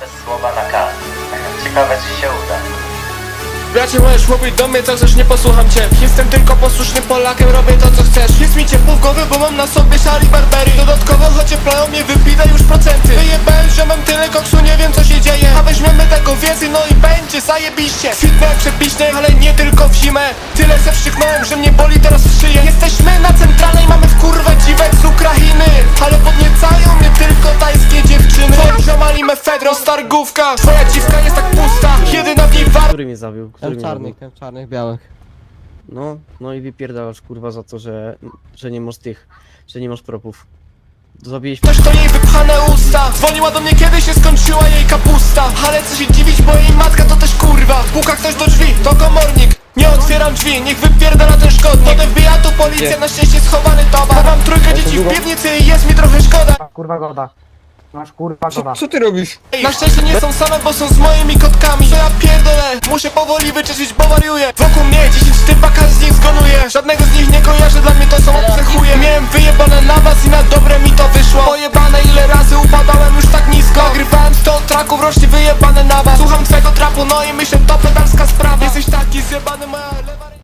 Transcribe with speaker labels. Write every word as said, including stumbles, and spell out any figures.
Speaker 1: bez słowa na K. Ciekawe, czy się uda.
Speaker 2: Bracie, możesz mówić do mnie co chcesz, nie posłucham cię. Jestem tylko posłusznym Polakiem, robię to co chcesz. Jest mi ciepło w głowie, bo mam na sobie szali Barbery. Dodatkowo choć plają mnie, wypida już procenty. Wyjebałem, że mam tyle koksu, nie wiem co się dzieje. A weźmiemy tego więcej, no i będzie zajebiście. Kwitnę przepiśny, ale nie tylko w zimę. Tyle se wstrzyknąłem, że mnie boli teraz w szyję. Jesteśmy na centralnej, mamy w kurwę dziwek z Ukrainy. Ale podniecają mnie tylko tajskie dziewczyny. Twoi ziomali mefedro, stargówka. Twoja dziwka jest tak pusta, jedyna w niej war...
Speaker 3: Który mnie zabił? Który
Speaker 4: Ten
Speaker 3: mnie
Speaker 4: czarnych,
Speaker 3: zabił?
Speaker 4: ten czarnych, białych.
Speaker 3: No, no i wypierdalasz kurwa za to, że, że nie masz tych, że nie masz propów. Zabiłeś
Speaker 2: Też to jej wypchane usta. Dzwoniła do mnie, kiedy się skończyła jej kapusta. Ale co się dziwić, bo jej matka to też kurwa. Puka ktoś do drzwi, to komornik. Nie otwieram drzwi, niech wypierdala ten szkodnik. Potem wbija tu policja,
Speaker 3: Gdzie?
Speaker 2: na szczęście schowany towar. Mam trójkę dzieci w piwnicy i jest mi trochę szkoda.
Speaker 5: Kurwa goda. Masz kurwa goda.
Speaker 4: Co ty robisz?
Speaker 2: Na szczęście nie są same, bo są z moimi kotkami. Co ja pierdolę, muszę powoli wyczyścić, bo wariuję. Wokół mnie dziesięć typa, każdy z nich zgonuje. Żadnego z nich nie kojarzę, dla mnie to są obce chuje. Miałem wyjebane na was i na dobre mi to wyszło. Pojebane ile razy upadałem już tak nisko. Nagrywałem sto traków, rocznie wyjebane na was. Słucham twego trapu, no i myślę to pedalska sprawa. Jesteś taki zjebany, moja lewa ręka.